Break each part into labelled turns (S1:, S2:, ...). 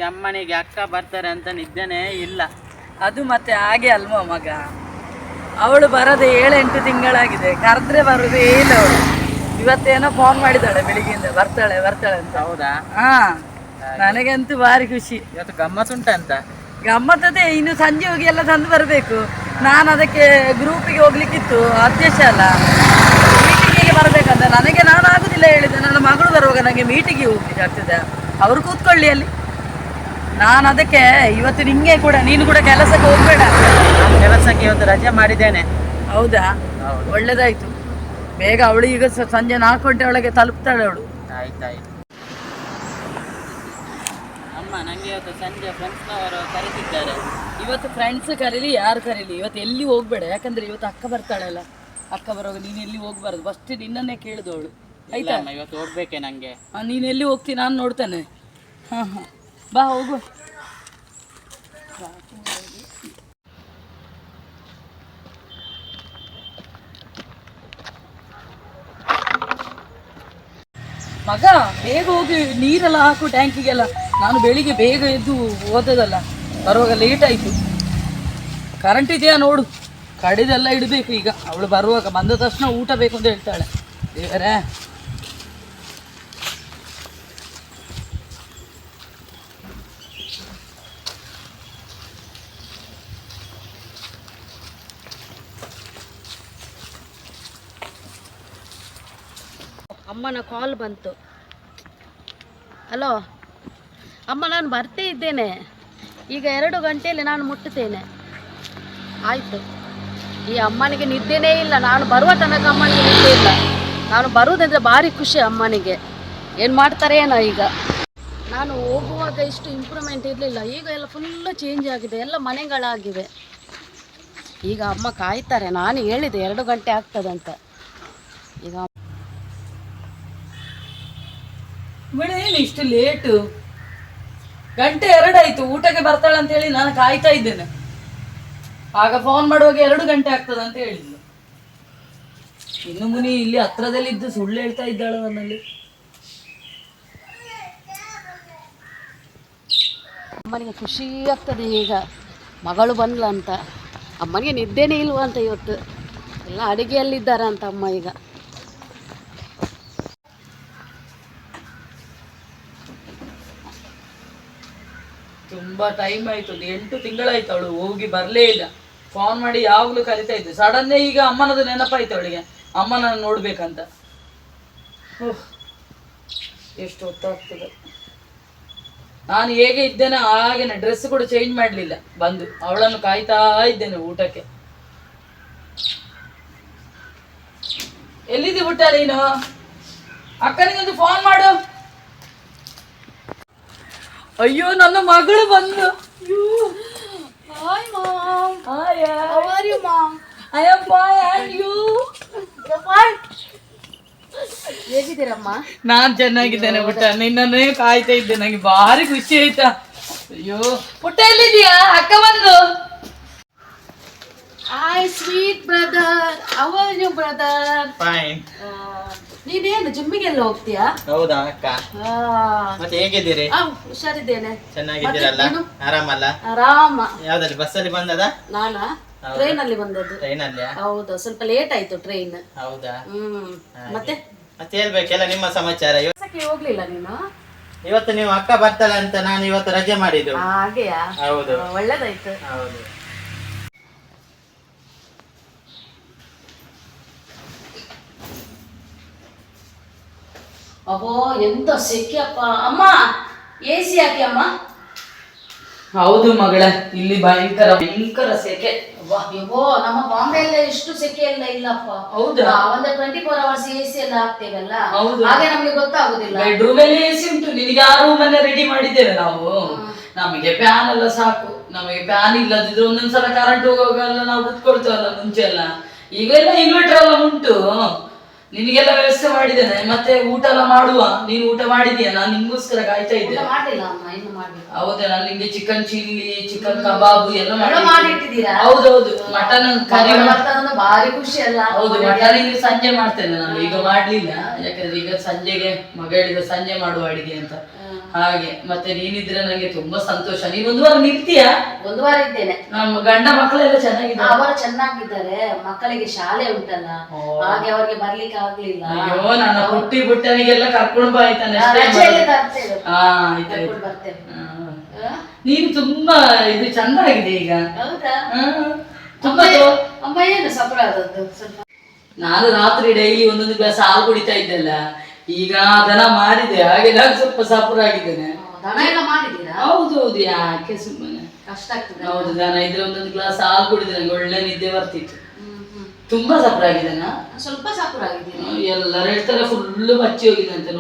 S1: ಅಮ್ಮನಿಗೆ ಅಕ್ಕ ಬರ್ತಾರೆ ಅಂತ ನಿದ್ದೆನೇ ಇಲ್ಲ.
S2: ಅದು ಮತ್ತೆ ಹಾಗೆ ಅಲ್ವಾ ಮಗ, ಅವಳು ಬರದೆ 7-8 ತಿಂಗಳಾಗಿದೆ, ಕರೆದ್ರೆ ಬರುದೇ ಇಲ್ಲ ಅವಳು. ಇವತ್ತೇನೋ ಫೋನ್ ಮಾಡಿದಾಳೆ ಬೆಳಿಗ್ಗೆಯಿಂದ, ಬರ್ತಾಳೆ ಬರ್ತಾಳೆ ಅಂತ.
S1: ಹೌದಾ?
S2: ಹಾ, ನನಗಂತೂ ಭಾರಿ ಖುಷಿ.
S1: ಇವತ್ತು ಗಮ್ಮತ್ತುಂಟ ಅಂತ?
S2: ಗಮ್ಮತ್ತದೆ, ಇನ್ನು ಸಂಜೆ ಹೋಗಿ ಎಲ್ಲ ತಂದು ಬರಬೇಕು. ನಾನು ಅದಕ್ಕೆ ಗ್ರೂಪಿಗೆ ಹೋಗ್ಲಿಕ್ಕಿತ್ತು, ಅಧ್ಯಕ್ಷ ಅಲ್ಲ, ಮೀಟಿಂಗಿಗೆ ಬರಬೇಕಂತ. ನನಗೆ ನಾನು ಆಗುದಿಲ್ಲ ಹೇಳಿದೆ, ನನ್ನ ಮಗಳು ಬರುವಾಗ ನನಗೆ ಮೀಟಿಂಗಿಗೆ ಹೋಗ್ಲಿಕ್ಕೆ ಆಗ್ತದೆ, ಅವರು ಕೂತ್ಕೊಳ್ಳಿ ಅಲ್ಲಿ. ನಾನು ಅದಕ್ಕೆ ಇವತ್ತು ನಿಂಗೆ ಕೂಡ, ನೀನು ಕೂಡ ಕೆಲಸಕ್ಕೆ ಹೋಗ್ಬೇಡ.
S1: ನಾನು ಕೆಲಸಕ್ಕೆ ಇವತ್ತು ರಜೆ ಮಾಡಿದ್ದೇನೆ.
S2: ಹೌದಾ? ಒಳ್ಳೇದಾಯ್ತು. ಬೇಗ ಅವಳು ಈಗ ಸಂಜೆ 4 ಗಂಟೆ ಒಳಗೆ ತಲುಪ್ತಾಳೆ ಅವಳು.
S1: ಆಯ್ತಾಯ್ತು. ಅಮ್ಮ, ನನಗೆ ಇವತ್ತು ಸಂಜೆ ಫ್ರೆಂಡ್ಸ್ನವರು ಕರೀತಿದ್ದಾರೆ.
S2: ಇವತ್ತು ಫ್ರೆಂಡ್ಸ್ ಕರೀಲಿ ಯಾರು ಕರೀಲಿ, ಇವತ್ತು ಎಲ್ಲಿ ಹೋಗ್ಬೇಡ. ಯಾಕಂದ್ರೆ ಇವತ್ತು ಅಕ್ಕ ಬರ್ತಾಳಲ್ಲ, ಅಕ್ಕ ಬರುವಾಗ ನೀನು ಎಲ್ಲಿ ಹೋಗ್ಬಾರ್ದು. ಫಸ್ಟ್ ನಿನ್ನನ್ನೇ ಕೇಳಿದವಳು, ಆಯ್ತಾ?
S1: ಇವತ್ತು ಹೋಗ್ಬೇಕೆ ನಂಗೆ.
S2: ನೀನು ಎಲ್ಲಿ ಹೋಗ್ತೀನಿ ನಾನು ನೋಡ್ತೇನೆ. ಹಾಂ ಹಾಂ, ಬಾ ಹೋಗು. ಮಗ ಬೇಗ ಹೋಗಿ ನೀರೆಲ್ಲ ಹಾಕು ಟ್ಯಾಂಕಿಗೆಲ್ಲ. ನಾನು ಬೆಳಿಗ್ಗೆ ಬೇಗ ಎದ್ದು ಓದೋದಲ್ಲ, ಬರುವಾಗ ಲೇಟ್ ಆಯಿತು. ಕರೆಂಟ್ ಇದೆಯಾ ನೋಡು, ಕಡಿದೆಲ್ಲ ಇಡಬೇಕು ಈಗ. ಅವಳು ಬರುವಾಗ ಬಂದ ತಕ್ಷಣ ಊಟ ಬೇಕು ಅಂತ ಹೇಳ್ತಾಳೆ. ದೇವರೇ,
S3: ಅಮ್ಮನ ಕಾಲ್ ಬಂತು. ಹಲೋ ಅಮ್ಮ, ನಾನು ಬರ್ತಾ ಇದ್ದೇನೆ ಈಗ, 2 ಗಂಟೆಯಲ್ಲಿ ನಾನು ಮುಟ್ಟುತ್ತೇನೆ. ಆಯಿತು. ಈ ಅಮ್ಮನಿಗೆ ನಿದ್ದೆನೇ ಇಲ್ಲ, ನಾನು ಬರುವ ತನಕ ಅಮ್ಮನಿಗೆ ನಿದ್ದೆ ಇಲ್ಲ. ನಾನು ಬರುವುದಂದರೆ ಭಾರಿ ಖುಷಿ ಅಮ್ಮನಿಗೆ. ಏನು ಮಾಡ್ತಾರೆ ಏನೋ ಈಗ. ನಾನು ಹೋಗುವಾಗ ಇಷ್ಟು ಇಂಪ್ರೂವ್ಮೆಂಟ್ ಇರಲಿಲ್ಲ, ಈಗ ಎಲ್ಲ ಫುಲ್ಲು ಚೇಂಜ್ ಆಗಿದೆ, ಎಲ್ಲ ಮನೆಗಳಾಗಿವೆ. ಈಗ ಅಮ್ಮ ಕಾಯ್ತಾರೆ, ನಾನು ಹೇಳಿದೆ 2 ಗಂಟೆ ಆಗ್ತದಂತ. ಈಗ
S2: ಏನು ಇಷ್ಟು ಲೇಟು? 1 ಗಂಟೆ ಆಯ್ತು, ಊಟಕ್ಕೆ ಬರ್ತಾಳೆ ಅಂತ ಹೇಳಿ ನಾನು ಕಾಯ್ತಾ ಇದ್ದೇನೆ. ಆಗ ಫೋನ್ ಮಾಡುವಾಗ 2 ಗಂಟೆ ಆಗ್ತದೆ ಅಂತ ಹೇಳಿದ್ಲು. ಇನ್ನು ಮುನಿ ಇಲ್ಲಿ ಹತ್ರದಲ್ಲಿ ಇದ್ದು ಸುಳ್ಳು ಹೇಳ್ತಾ ಇದ್ದಾಳೆ ನನ್ನಲ್ಲಿ.
S3: ಅಮ್ಮನಿಗೆ ಖುಷಿ ಆಗ್ತದೆ ಈಗ, ಮಗಳು ಬಂದ್ಲ ಅಂತ. ಅಮ್ಮನಿಗೆ ನಿದ್ದೆನೇ ಇಲ್ವಾ ಅಂತ ಇವತ್ತು, ಎಲ್ಲ ಅಡುಗೆಯಲ್ಲಿದ್ದಾರೆ ಅಂತ ಅಮ್ಮ ಈಗ.
S2: ತುಂಬಾ ಟೈಮ್ ಆಯ್ತು, 8 ತಿಂಗಳಾಯ್ತು ಅವಳು ಹೋಗಿ ಬರ್ಲೇ ಇಲ್ಲ. ಫೋನ್ ಮಾಡಿ ಯಾವಾಗ್ಲೂ ಕರಿತಾ ಇದ್ದೆ. ಸಡನ್ನೇ ಈಗ ಅಮ್ಮನದು ನೆನಪಾಯ್ತು ಅವಳಿಗೆ, ಅಮ್ಮನ ನೋಡ್ಬೇಕಂತ. ಎಷ್ಟು ಹೊತ್ತಾಗ್ತದೆ. ನಾನು ಹೇಗೆ ಇದ್ದೇನೆ ಹಾಗೇನೆ, ಡ್ರೆಸ್ ಕೂಡ ಚೇಂಜ್ ಮಾಡ್ಲಿಲ್ಲ. ಬಂದು ಅವಳನ್ನು ಕಾಯ್ತಾ ಇದ್ದೇನೆ ಊಟಕ್ಕೆ. ಎಲ್ಲಿದ್ದಿ ಊಟ ನೀನು? ಅಕ್ಕನಿಗೊಂದು ಫೋನ್ ಮಾಡು. ಅಯ್ಯೋ, ನನ್ನ ಮಗಳು ಬಂದು.
S3: Hi mom.
S2: Hi.
S3: How are you mom?
S2: I am fine and you?
S3: You're fine. ಹೇಗಿದ್ದೀರಮ್ಮ?
S2: ನಾನ್ ಚೆನ್ನಾಗಿದ್ದೇನೆ ಪುಟ್ಟ, ನಿನ್ನನ್ನೇ ಕಾಯ್ತಾ ಇದ್ದೆ. ನಂಗೆ ಭಾರಿ ಖುಷಿ ಆಯ್ತಾ. ಅಯ್ಯೋ ಪುಟ್ಟ, ಎಲ್ಲಿದ್ಯಾ? ಅಕ್ಕ ಬಂದು.
S3: Hi sweet brother. How are you brother?
S1: Fine.
S3: ನೀನೇನು ಜಿಮ್ಮಿಗೆಲ್ಲ ಹೋಗ್ತೀಯಾ?
S1: ಹೌದಾ ಅಕ್ಕ? ಮತ್ತೆ ಹೇಗಿದ್ದೀರಿ?
S3: ಹುಷಾರಿದ್ದೇನೆ.
S1: ಚೆನ್ನಾಗಿದ್ದೀರಲ್ಲ? ಆರಾಮಲ್ಲ?
S3: ಆರಾಮ.
S1: ಯಾವ್ದಲ್ಲಿ ಬಸ್ಸಲ್ಲಿ ಬಂದದ?
S3: ನಾನಾ ಟ್ರೈನ್ ಅಲ್ಲಿ ಬಂದದ್ದು.
S1: ಟ್ರೈನ್ ಅಲ್ಲಿ?
S3: ಹೌದು, ಸ್ವಲ್ಪ ಲೇಟ್ ಆಯ್ತು ಟ್ರೈನ್.
S1: ಹೌದಾ?
S3: ಮತ್ತೆ
S1: ಮತ್ತೆ ಹೇಳ್ಬೇಕೆಲ್ಲ ನಿಮ್ಮ ಸಮಾಚಾರ.
S3: ಕೆಲಸಕ್ಕೆ ಹೋಗ್ಲಿಲ್ಲ ನೀನು?
S1: ಇವತ್ತು ನೀವು ಅಕ್ಕ ಬರ್ತಾಳೆ ಅಂತ ನಾನು ಇವತ್ತು ರಜೆ ಮಾಡಿದ್ದು.
S3: ಹಾಗೆಯಾ?
S1: ಹೌದು.
S3: ಒಳ್ಳೇದಾಯ್ತು.
S1: ಹೌದು.
S3: ಅಬ್ಬೋ, ಎಂತ ಸೆಕೆ ಅಪ್ಪ. ಅಮ್ಮ, AC ಹಾಕಿ ಅಮ್ಮ.
S2: ಹೌದು ಮಗಳ, ಇಲ್ಲಿ ಭಯಂಕರ ಸೆಕೆ.
S3: ಅಯ್ಯೋ, ನಮ್ಮ ಬಾಂಬೆಲ್ಲ ಎಷ್ಟು ಸೆಕೆ ಎಲ್ಲ ಇಲ್ಲಪ್ಪ.
S2: ಹೌದಾ?
S3: ಒಂದು 24 hours AC ಎಲ್ಲ ಹಾಕ್ತೇವಲ್ಲ,
S2: ಹೌದು.
S3: ಹಾಗೆ ನಮ್ಗೆ ಗೊತ್ತಾಗುದಿಲ್ಲ.
S2: ಬೆಡ್ರೂಮ್ ಅಲ್ಲಿ AC ಉಂಟು, ನಿನಗೆ ಆ ರೂಮ್ ಅನ್ನ ರೆಡಿ ಮಾಡಿದ್ದೇವೆ ನಾವು. ನಮಗೆ ಫ್ಯಾನ್ ಎಲ್ಲ ಸಾಕು. ನಮಗೆ ಫ್ಯಾನ್ ಇಲ್ಲದಿದ್ರೆ ಒಂದೊಂದ್ಸಲ ಕರೆಂಟ್ ಹೋಗುವಾಗೆಲ್ಲ ನಾವು ಕುತ್ಕೊಳ್ತೇವಲ್ಲ ಮುಂಚೆ ಎಲ್ಲ. ಈಗೆಲ್ಲ ಇನ್ವರ್ಟರ್ ಎಲ್ಲ ಉಂಟು, ನಿನಗೆಲ್ಲ ವ್ಯವಸ್ಥೆ ಮಾಡಿದ್ದೇನೆ. ಮತ್ತೆ ಊಟ ಎಲ್ಲ ಮಾಡುವ. ನೀನು ಊಟ ಮಾಡಿದೀಯ? ನಾನು ನಿಂಗೋಸ್ಕರ ಕಾಯ್ತಾ ಇದ್ದೆ. ಹೌದಾ? ನಾನು ನಿಂಗೆ ಚಿಕನ್ ಚಿಲ್ಲಿ, ಚಿಕನ್ ಕಬಾಬ್ ಎಲ್ಲ
S3: ಮಾಡಿಟ್ಟಿದ್ದೀರಾ?
S2: ಹೌದೌದು. ಮಟನ್ ಕರಿ
S3: ಭಾರಿ ಖುಷಿ ಅಲ್ಲ?
S2: ಹೌದು, ಮಟನ್ ಇಲ್ಲಿ ಸಂಜೆ ಮಾಡ್ತೇನೆ ನಾನು, ಈಗ ಮಾಡ್ಲಿಲ್ಲ. ಯಾಕಂದ್ರೆ ಈಗ ಸಂಜೆಗೆ ಮಗ ಹೇಳಿದ ಸಂಜೆ ಮಾಡುವ ಅಡಿಗೆ ಅಂತ. ಹಾಗೆ ಮತ್ತೆ ನೀನಿದ್ರೆ ನಂಗೆ ತುಂಬಾ ಸಂತೋಷ. ನೀನ್ ಒಂದು ವಾರ ನಿಲ್ತೀಯಾ?
S3: ಒಂದು ವಾರ ಇದ್ದೇನೆ.
S2: ನಮ್ಮ ಗಂಡ ಮಕ್ಕಳೆಲ್ಲ ಚೆನ್ನಾಗಿದ್ದಾರೆ?
S3: ಅವರು ಚೆನ್ನಾಗಿದ್ದಾರೆ. ಮಕ್ಕಳಿಗೆ ಶಾಲೆ ಉಂಟಲ್ಲ, ಹಾಗೆ ಅವರಿಗೆ ಬರ್ಲಿಕ್ಕೆ ಆಗ್ಲಿಲ್ಲ.
S2: ಅಯ್ಯೋ, ನನ್ನ ಹುಟ್ಟಿ ಬುಟ್ಟನಿಗೆಲ್ಲ ಕರ್ಕೊಂಡು ಬಾ ಆಯ್ತಾನೆ.
S3: ರಜೆಯಲ್ಲಿ ತರ್ತೇವೆ,
S2: ಕರ್ಕೊಂಡು
S3: ಬರ್ತೇವೆ.
S2: ನೀನು ತುಂಬಾ ಇದು ಚಂದ ಆಗಿದೆ ಈಗ.
S3: ಹೌದಾ?
S2: ತುಂಬಾ
S3: ಅಮ್ಮ ಏನು ಸಫರ ಆದದ್ದು ಸ್ವಲ್ಪ.
S2: ನಾನು ರಾತ್ರಿ ಡೈಲಿ ಒಂದೊಂದು ಗ್ಲಾಸ್ ಹಾಲು ಕುಡಿತಾ ಇದ್ದಲ್ಲ, ಈಗ ಅದನ್ನ ಮಾಡಿದೆ, ಹಾಗೆ ನಾನು ಸ್ವಲ್ಪ ಸಫರ ಆಗಿದ್ದೇನೆ.
S3: ದನ ಎಲ್ಲ ಮಾಡಿದ್ದೀರಾ?
S2: ಹೌದು ಹೌದು, ಯಾಕೆ ಸುಮ್ಮನೆ
S3: ಕಷ್ಟ ಆಗ್ತದೆ.
S2: ಹೌದು, ದನ ಇದ್ರೆ ಒಂದೊಂದು ಗ್ಲಾಸ್ ಹಾಲು ಕುಡಿದ್ರೆ ನಂಗೆ ಒಳ್ಳೆ ನಿದ್ದೆ ಬರ್ತಿತ್ತು. ತುಂಬಾ ಸಫರ ಆಗಿದ್ದೇನಾ?
S3: ಸ್ವಲ್ಪ ಸಫರ ಆಗಿದ್ದೀನಿ.
S2: ಎಲ್ಲರೂ ಹೇಳ್ತಾರೆ ಫುಲ್ಲು ಬಚ್ಚಿ ಹೋಗಿದೆ ಅಂತ.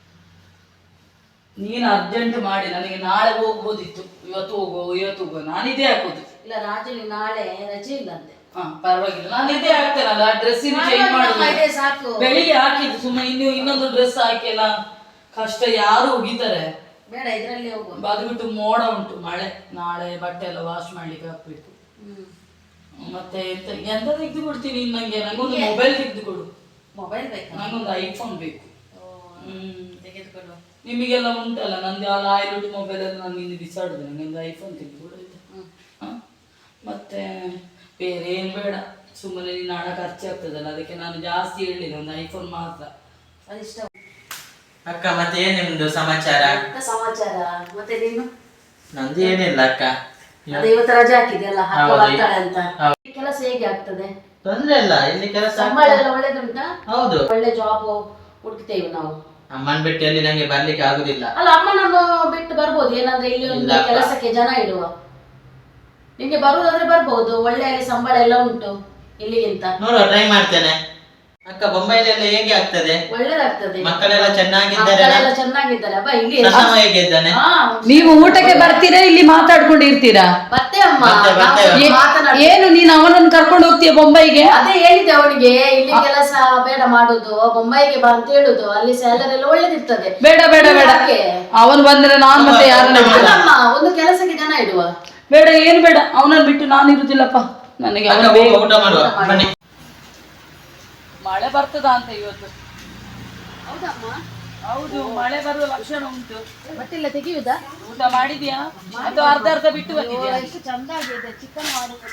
S2: ನೀನು ಅರ್ಜೆಂಟ್ ಮಾಡಿ ನನಗೆ ನಾಳೆ ಹೋಗ್ಬೋದಿತ್ತು. ಇವತ್ತು ಹೋಗೋ ನಾನಿದೇ ಹಾಕೋದು.
S3: ಇಲ್ಲ ರಾಜುಲಿ ನಾಳೆ ರಜೆ ಇಲ್ಲ ಅಂತೆ.
S2: ಪರವಾಗಿಲ್ಲ, ನಾನು ಇದೇ ಹಾಕ್ತೇನಲ್ಲ, ಡ್ರೆಸ್ ಚೇಂಜ್ ಮಾಡೋದು.
S3: ಸಾಕು,
S2: ಬೆಳಿಗ್ಗೆ ಹಾಕಿದ್ದು ಸುಮ್ಮನೆ ಇನ್ನೊಂದು ಡ್ರೆಸ್ ಹಾಕಿಲ್ಲ, ಕಷ್ಟ. ಯಾರು ಹೋಗಿದ್ದಾರೆ?
S3: ಬೇಡ, ಇದ್ರಲ್ಲಿ ಹೋಗುವ.
S2: ಅದು ಬಿಟ್ಟು ಮೋಡ ಉಂಟು, ಮಳೆ. ನಾಳೆ ಬಟ್ಟೆ ಎಲ್ಲ ವಾಶ್ ಮಾಡ್ಲಿಕ್ಕೆ ಹಾಕ್ಬೇಕು. ಮತ್ತೆ ಎಂತ ತೆಗೆದು ಕೊಡ್ತೀನಿ ನಂಗೆ? ನಂಗೊಂದು ಮೊಬೈಲ್ ತೆಗೆದು ಕೊಡು.
S3: ಮೊಬೈಲ್ ಬೇಕು?
S2: ನಂಗೊಂದು ಐಫೋನ್ ಬೇಕು.
S3: ತೆಗೆದುಕೊಳ್ಳುವ.
S2: ನಿಮಗೆಲ್ಲ ಉಂಟಲ್ಲ, ನಂದು ಆಯ್ಲುಡ್ ಮೊಬೈಲ್ ಎಲ್ಲ ನಾನು ಇನ್ನು ಬಿಸಾಡುದು. ನಂಗೊಂದು ಐಫೋನ್ ತೆಗೆದು ಕೊಡು. ಮತ್ತೆ ಬೇರೆ ಏನು ಬೇಡ, ಸುಮ್ಮನೆ ನಿನ್ನ ಹಣ ಖರ್ಚಾಗ್ತದಲ್ಲ, ಅದಕ್ಕೆ ನಾನು ಜಾಸ್ತಿ ಹೇಳಿಲ್ಲ, ಒಂದು ಐಫೋನ್ ಮಾತ್ರ.
S3: ಅದಿಷ್ಟ.
S4: ಅಕ್ಕ, ಮತ್ತೆ ಏನ್ ನಿಮ್ದು ಸಮಾಚಾರ?
S3: ಸಮಾಚಾರ ಮತ್ತೆ ನೀನು?
S4: ನಂದು ಏನಿಲ್ಲ ಅಕ್ಕ.
S3: ಅದೇ ಇವತ್ತು ರಜೆ ಹಾಕಿದೆಯಲ್ಲ, ಬರ್ತಾಳೆ ಅಂತ. ಕೆಲಸ ಹೇಗೆ ಆಗ್ತದೆ?
S4: ತೊಂದ್ರೆ ಇಲ್ಲ, ಇಲ್ಲಿ ಕೆಲಸ
S3: ಸಂಬಳ ಎಲ್ಲ ಒಳ್ಳೇದುಂಟಾ?
S4: ಹೌದು,
S3: ಒಳ್ಳೆ ಜಾಬ್ ಹುಡುಕ್ತೇವೆ ನಾವು.
S4: ಅಮ್ಮನ್ ಬಿಟ್ಟು ಅಲ್ಲಿ ನಂಗೆ ಬರ್ಲಿಕ್ಕೆ ಆಗುದಿಲ್ಲ.
S3: ಅಲ್ಲ, ಅಮ್ಮನನ್ನು ಬಿಟ್ಟು ಬರ್ಬೋದು, ಏನಂದ್ರೆ ಇಲ್ಲಿ ಒಂದು ಕೆಲಸಕ್ಕೆ ಜನ ಇಡುವ. ನಿಮ್ಗೆ ಬರುವುದಾದ್ರೆ ಬರ್ಬೋದು, ಒಳ್ಳೆ ಸಂಬಳ ಎಲ್ಲ ಉಂಟು ಇಲ್ಲಿಗಿಂತ.
S4: ನೋಡುವ, ಟ್ರೈ ಮಾಡ್ತೇನೆ. ಅಕ್ಕ, ಬೊಂಬೈಲೆಲ್ಲ ಹೇಗೆ ಆಗ್ತದೆ?
S3: ಒಳ್ಳೇದಾಗ್ತದೆ.
S4: ಮಕ್ಕಳೆಲ್ಲ ಚೆನ್ನಾಗಿದ್ದಾರೆ?
S3: ಮಕ್ಕಳೆಲ್ಲ ಚೆನ್ನಾಗಿದ್ದಾರೆ. ಅಬ್ಬ ಇಲ್ಲಿ
S4: ಸಣ್ಣವ ಹೇಗೆ ಇದ್ದಾನೆ?
S2: ನೀವು ಊಟಕ್ಕೆ ಬರ್ತೀರಾ, ಇಲ್ಲಿ ಮಾತಾಡ್ಕೊಂಡು ಇರ್ತೀರಾ?
S3: ಬರ್ತೇ ಅಮ್ಮ,
S2: ಏನು ನೀನು ಅವನನ್ನು ಕರ್ಕೊಂಡು ಹೋಗ್ತೀಯ ಬೊಂಬೈಗೆ?
S3: ಅದೇ ಹೇಳಿದ್ದೆ ಅವನಿಗೆ, ಇಲ್ಲಿ ಕೆಲಸ ಬೇಡ ಮಾಡುದು, ಬೊಂಬೈಗೆ ಬಾ ಅಂತ ಹೇಳುದು, ಅಲ್ಲಿ ಸ್ಯಾಲರಿ ಎಲ್ಲ ಒಳ್ಳೇದಿರ್ತದೆ.
S2: ಬೇಡ ಬೇಡ ಬೇಡ, ಅವನು ಬಂದ್ರೆ ನಾನು ಮತ್ತೆ ಯಾರನ್ನ?
S3: ಅಮ್ಮ, ಒಂದು ಕೆಲಸಕ್ಕೆ ಜನ ಇಡುವ.
S2: ಬೇಡ, ಏನು ಬೇಡ, ಅವನನ್ನು ಬಿಟ್ಟು ನಾನು ಇರುದಿಲ್ಲಪ್ಪ. ನನಗೆ ಅವನ
S4: ಊಟ ಮಾಡುವ ಬನ್ನಿ.
S2: ಮಳೆ ಬರ್ತದ ಅಂತ ಇವತ್ತು?
S3: ಹೌದಮ್ಮ?
S2: ಹೌದು, ಮಳೆ ಬರುವ ಲಕ್ಷಣ ಉಂಟು.
S3: ಬಟ್ಟೆಲ್ಲ ತೆಗೆಯುವುದಾ?
S2: ಊಟ ಮಾಡಿದ್ಯಾ ಅಥವಾ ಅರ್ಧ ಬಿಟ್ಟು ಬಂದಿದ್ಯಾ?
S3: ಎಷ್ಟು ಚಂದ ಆಗಿದೆ, ಚಿಕನ್ ಮಾಡುದು,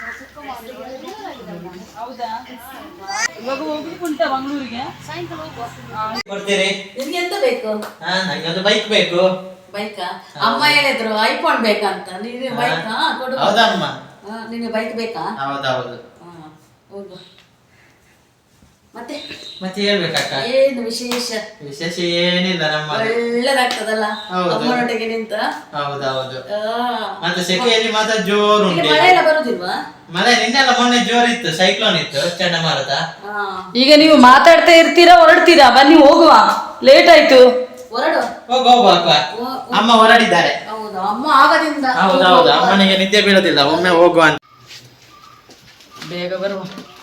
S2: ಹೌದಾ? ಇವಾಗ ಹೋಗ್ಲಿಕ್ಕೆ ಉಂಟಾ ಮಂಗಳೂರಿಗೆ?
S3: ಸಾಯಂಕಾಲ ಹೋಗುವ.
S4: ಕೊಡ್ತೀರಿ?
S3: ನಿಮ್ಗೆ ಎಂತ ಬೇಕು?
S4: ನಂಗೆ ಒಂದು ಬೈಕ್ ಬೇಕು.
S3: ಬೈಕಾ? ಅಮ್ಮ ಹೇಳಿದ್ರು ಐಫೋನ್ ಬೇಕಂತ. ನೀನು ಬೈಕ್ ಕೊಡು.
S4: ಹೌದಮ್ಮ?
S3: ನಿನಗೆ ಬೈಕ್ ಬೇಕಾ?
S4: ಹೌದೌದು.
S3: ಹೋಗು. ಮತ್ತೆ
S4: ಮತ್ತೆ ಹೇಳ್ಬೇಕಕ್ಕ?
S3: ಏನು ವಿಶೇಷ?
S4: ವಿಶೇಷ ಏನಿಲ್ಲ, ನಮ್ಮ
S3: ಒಳ್ಳೆದಾಗ್ತದಲ್ಲ
S4: ಹೌದು.
S3: ಅಮ್ಮನೊಟ್ಟಿಗೆ ನಿಂತ.
S4: ಹೌದೌದು. ಮತ್ತೆ ಸೆಕೆಯಲ್ಲಿ ಮಾತ್ರ ಜೋರು
S3: ಇಲ್ಲಿ
S4: ಉಂಟು.
S3: ಮಳೆ ಎಲ್ಲ ಬರುದಿಲ್ವಾ?
S4: ಮಳೆ ನಿನ್ನೆಲ್ಲ ಮೊನ್ನೆ ಜೋರಿತ್ತು, ಸೈಕ್ಲೋನ್ ಇತ್ತು, ಚಂಡಮಾರುತ.
S2: ಈಗ ನೀವು ಮಾತಾಡ್ತಾ ಇರ್ತೀರಾ, ಹೊರಡ್ತೀರಾ? ಬನ್ನಿ ಹೋಗುವ, ಲೇಟ್ ಆಯ್ತು.
S3: ಹೊರಡು.
S4: ಹೋಗುವ ಅಕ್ಕ, ಅಮ್ಮ ಹೊರಡಿದ್ದಾರೆ.
S3: ಹೌದು, ಅಮ್ಮ ಆಗದಿಂದ.
S4: ಹೌದೌದು, ಅಮ್ಮನಿಗೆ ನಿದ್ದೆ ಬೀಳೋದಿಲ್ಲ, ಒಮ್ಮೆ ಹೋಗುವ ಅಂತ.
S2: ಬೇಗ ಬರುವ.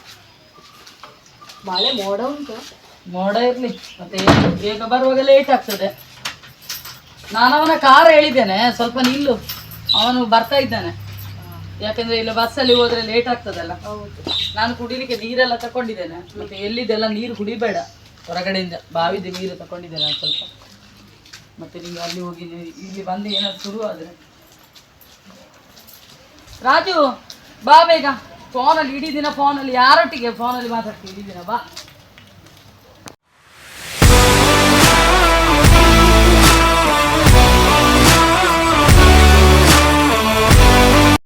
S3: ಮಳೆ ಮೋಡ ಉಂಟು.
S2: ಮೋಡ ಇರ್ಲಿ, ಮತ್ತೆ ಬೇಗ ಬರುವಾಗ ಲೇಟ್ ಆಗ್ತದೆ. ನಾನು ಅವನ ಕಾರ್ ಹೇಳಿದ್ದೇನೆ, ಸ್ವಲ್ಪ ನಿಲ್ಲು, ಅವನು ಬರ್ತಾ ಇದ್ದಾನೆ. ಯಾಕಂದ್ರೆ ಇಲ್ಲಿ ಬಸ್ಸಲ್ಲಿ ಹೋದ್ರೆ ಲೇಟ್ ಆಗ್ತದಲ್ಲ. ನಾನು ಕುಡಿಲಿಕ್ಕೆ ನೀರೆಲ್ಲ ತಕೊಂಡಿದ್ದೇನೆ, ಮತ್ತೆ ಎಲ್ಲಿದ್ದೆಲ್ಲ ನೀರು ಕುಡಿಬೇಡ, ಹೊರಗಡೆಯಿಂದ ಬಾವಿದ ನೀರು ತಕೊಂಡಿದ್ದೇನೆ ನಾನು ಸ್ವಲ್ಪ. ಮತ್ತೆ ನಿಮ್ಗೆ ಅಲ್ಲಿ ಹೋಗಿ ಇಲ್ಲಿ ಬಂದು ಏನಾದ್ರು ಶುರು ಆದ್ರೆ. ರಾಜು ಬಾ ಬೇಗ. ಫೋನಲ್ಲಿ ಇಡೀ ದಿನ ಫೋನಲ್ಲಿ ಯಾರೊಟ್ಟಿಗೆ ಫೋನಲ್ಲಿ ಮಾತಾಡ್ತೀವಿ ಇಡೀ ದಿನ? ಬಾ.